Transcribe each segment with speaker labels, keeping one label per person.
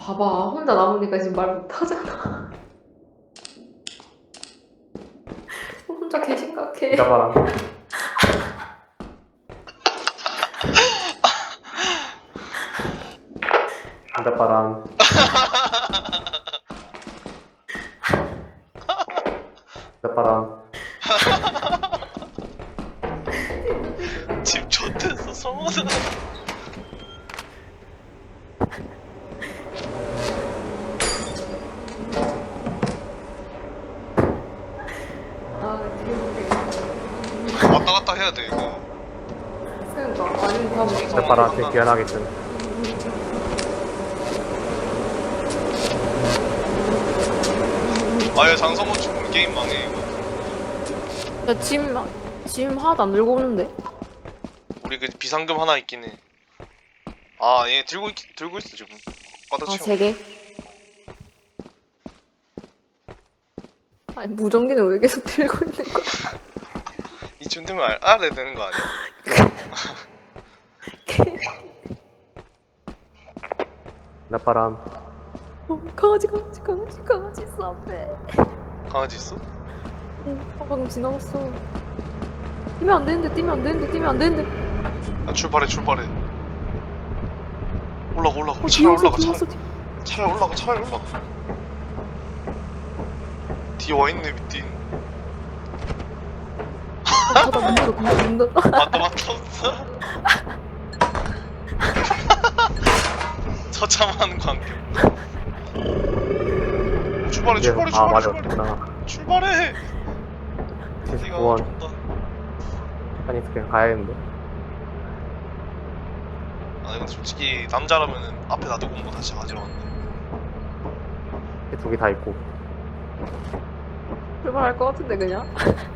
Speaker 1: 봐봐, 혼자 남으니까 지금 말 못하잖아. 혼자 개 심각해.
Speaker 2: 기다봐라. 기다봐라. 기다봐라.
Speaker 3: 집 좋댔어 성원아.
Speaker 1: 아, 되게
Speaker 3: 왔다 갔다 해야 돼 이거.
Speaker 1: 그러니까 아니면 다 못.
Speaker 2: 기다봐라. 제 귀환하겠음.
Speaker 3: 아예 장성호 죽으면 게임 망해 이거.
Speaker 1: 야, 짐 하나도 안 들고 오는데?
Speaker 3: 우리 그 비상금 하나 있긴 해. 아 얘 들고 있어 지금. 과다
Speaker 1: 아,
Speaker 3: 채워.
Speaker 1: 3개? 아니, 무전기는 왜 계속 들고 있는 거야?
Speaker 3: 이쯤 되면 알아야 되는 거 아니야?
Speaker 2: 기다봐라.
Speaker 1: 강아지 있어, 앞에.
Speaker 3: 강아지 있어?
Speaker 1: 응, 방금 지나갔어. 뛰면 안 되는데.
Speaker 3: 아 출발해. 올라가.
Speaker 1: 어,
Speaker 3: 차라리 올라가.
Speaker 1: 뒤였어.
Speaker 3: 차라리 올라가. 뒤에 와 있네 미띠.
Speaker 1: 닫아, 문 닫아.
Speaker 3: 맞다 없어. 처참한 광경. 출발해.
Speaker 2: 아, 맞아. 그렇구나.
Speaker 3: 출발해. 네가
Speaker 2: 79원.
Speaker 3: 줬다.
Speaker 2: 아니, 그냥 가야겠는데.
Speaker 3: 아 이건 솔직히 남자라면은 앞에 놔두고 온 거 다시 가져왔네.
Speaker 2: 두 개 다 있고.
Speaker 1: 출발할 것 같은데, 그냥?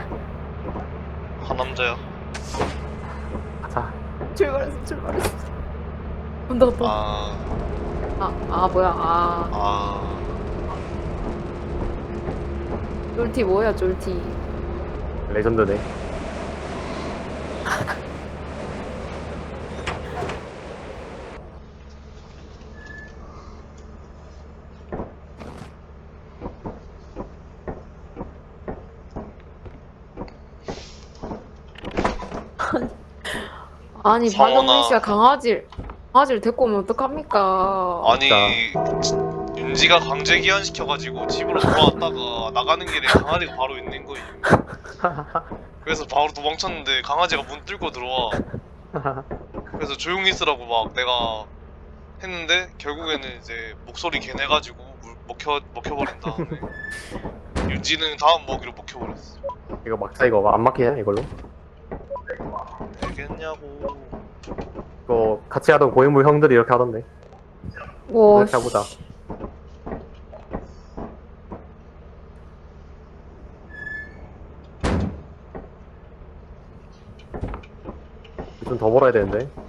Speaker 3: 한 남자야.
Speaker 2: 가자.
Speaker 1: 출발했어. 문 닫았다. 뭐야. 쫄티 뭐야, 쫄티.
Speaker 2: 레전드네.
Speaker 1: 아니,
Speaker 3: 성원아.
Speaker 1: 박영민 씨가 강아지를 데리고 오면 어떡합니까?
Speaker 3: 아니 윤지가 강제 기한시켜가지고 집으로 돌아왔다가 나가는 길에 강아지가 바로 있는 거임. 그래서 바로 도망쳤는데 강아지가 문 뚫고 들어와. 그래서 조용히 있으라고 막 내가 했는데 결국에는 이제 목소리 개내가지고 먹혀버린 다음에 윤지는 다음 먹이로 먹혀버렸어.
Speaker 2: 이거 막자, 이거 안 막히냐, 이걸로?
Speaker 3: 되겠냐고.
Speaker 2: 이거 같이 하던 고인물 형들이 이렇게 하던데.
Speaker 1: 와,
Speaker 2: 이렇게 해보자. 좀 더 벌어야 되는데.